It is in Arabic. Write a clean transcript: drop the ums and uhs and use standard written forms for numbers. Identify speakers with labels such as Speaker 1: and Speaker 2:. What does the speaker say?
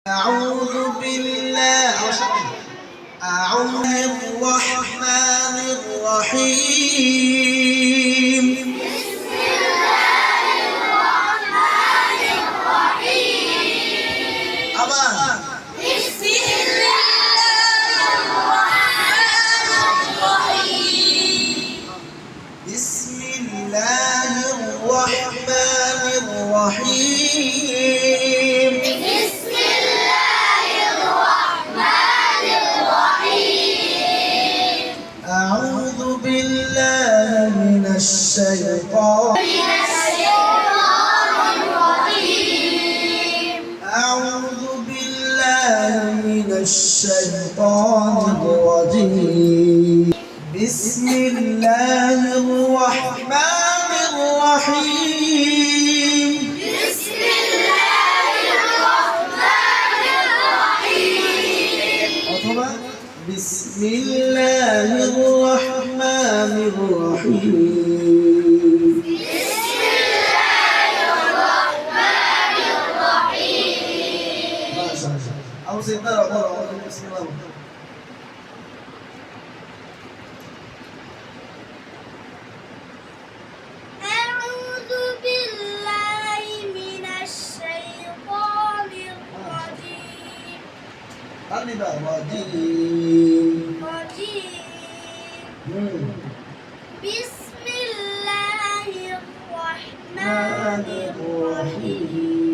Speaker 1: أعوذ بالله الرحمن الرحيم.
Speaker 2: بسم الله الرحمن الرحيم. بسم الله الرحمن الرحيم.
Speaker 1: بسم الله الرحمن الرحيم.
Speaker 2: بسم الله الرحمن الرحيم.
Speaker 1: أعوذ بالله من الشيطان
Speaker 2: الرجيم.
Speaker 1: أعوذ بالله من الشيطان الرجيم. بسم الله الرحمن الرحيم.
Speaker 2: بسم الله الرحمن الرحيم.
Speaker 1: أطبع. بسم الله الرحمن الرحيم.
Speaker 2: بسم الله الرحمن الرحيم.
Speaker 1: ما شاء الله. أو سيدنا بسم الله.
Speaker 2: أعوذ بالله من الشيطان الرجيم. بسم الله الرحمن الرحيم.